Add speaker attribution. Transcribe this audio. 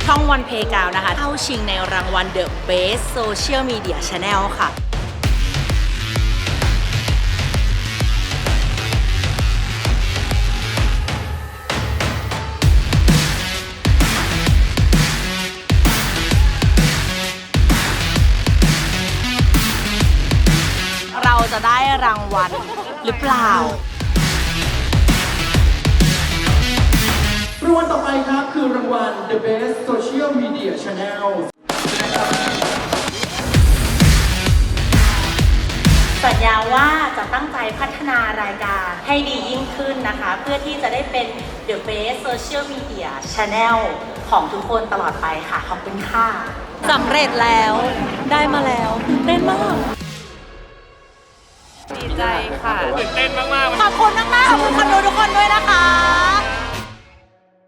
Speaker 1: ช่องวันเพกาวนะคะเข้าชิงในรางวัล The Best Social Media Channel ค่ะเราจะได้รางวัลหรือเปล่ารางวัล
Speaker 2: ต่อไปครับคือรางวัล The Best Social Media Channel
Speaker 1: สัญญาว่าจะตั้งใจพัฒนารายการให้ดียิ่งขึ้นนะคะเพื่อที่จะได้เป็น The Best Social Media Channel ของทุกคนตลอดไปค่ะขอบคุณค่ะสำเร็จแล้วได้มาแล้วตื่นเต้นมาก
Speaker 3: ดีใจค่ะ
Speaker 4: ตื่นเต้นมากๆ
Speaker 1: ขอบคุณมากๆขอบคุณคนดูทุกคนด้วยนะคะ